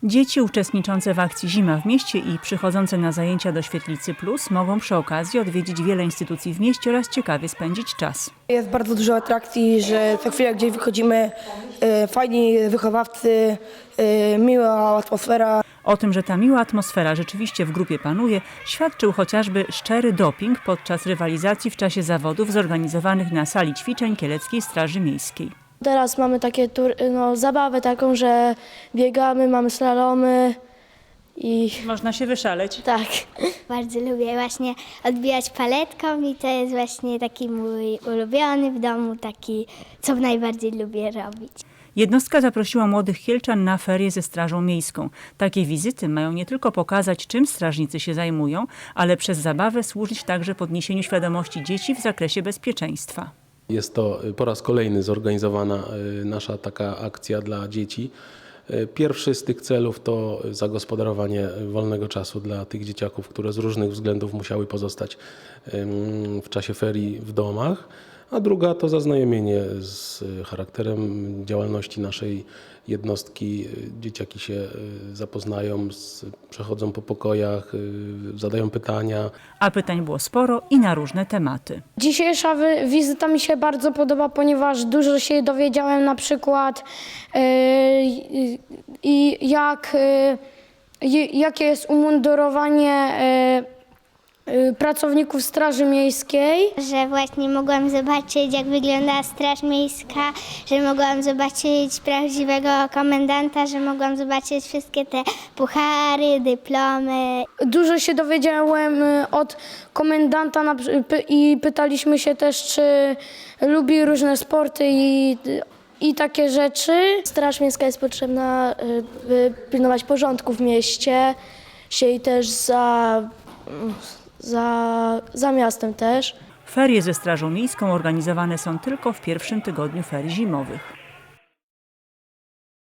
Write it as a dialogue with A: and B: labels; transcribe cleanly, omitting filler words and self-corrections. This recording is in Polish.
A: Dzieci uczestniczące w akcji Zima w mieście i przychodzące na zajęcia do Świetlicy Plus mogą przy okazji odwiedzić wiele instytucji w mieście oraz ciekawie spędzić czas.
B: Jest bardzo dużo atrakcji, że co chwilę gdzieś wychodzimy, fajni wychowawcy, miła atmosfera.
A: O tym, że ta miła atmosfera rzeczywiście w grupie panuje, świadczył chociażby szczery doping podczas rywalizacji w czasie zawodów zorganizowanych na sali ćwiczeń Kieleckiej Straży Miejskiej.
C: Teraz mamy takie zabawę taką, że biegamy, mamy slalomy i
A: Można się wyszaleć.
C: tak.
D: Bardzo lubię właśnie odbijać paletką i to jest właśnie taki mój ulubiony w domu, taki co najbardziej lubię robić.
A: Jednostka zaprosiła młodych Kielczan na ferie ze Strażą Miejską. Takie wizyty mają nie tylko pokazać, czym strażnicy się zajmują, ale przez zabawę służyć także podniesieniu świadomości dzieci w zakresie bezpieczeństwa.
E: Jest to po raz kolejny zorganizowana nasza taka akcja dla dzieci. Pierwszy z tych celów to zagospodarowanie wolnego czasu dla tych dzieciaków, które z różnych względów musiały pozostać w czasie ferii w domach, a druga to zaznajomienie z charakterem działalności naszej jednostki. Dzieciaki się zapoznają, przechodzą po pokojach, zadają pytania.
A: A pytań było sporo i na różne tematy.
C: Dzisiejsza wizyta mi się bardzo podoba, ponieważ dużo się dowiedziałem na przykład jakie jest umundurowanie pracowników Straży Miejskiej.
D: Że właśnie mogłam zobaczyć, jak wygląda Straż Miejska, że mogłam zobaczyć prawdziwego komendanta, że mogłam zobaczyć wszystkie te puchary, dyplomy.
C: Dużo się dowiedziałem od komendanta i pytaliśmy się też, czy lubi różne sporty i takie rzeczy. Straż Miejska jest potrzebna, by pilnować porządku w mieście i też za miastem też.
A: Ferie ze Strażą Miejską organizowane są tylko w pierwszym tygodniu ferii zimowych.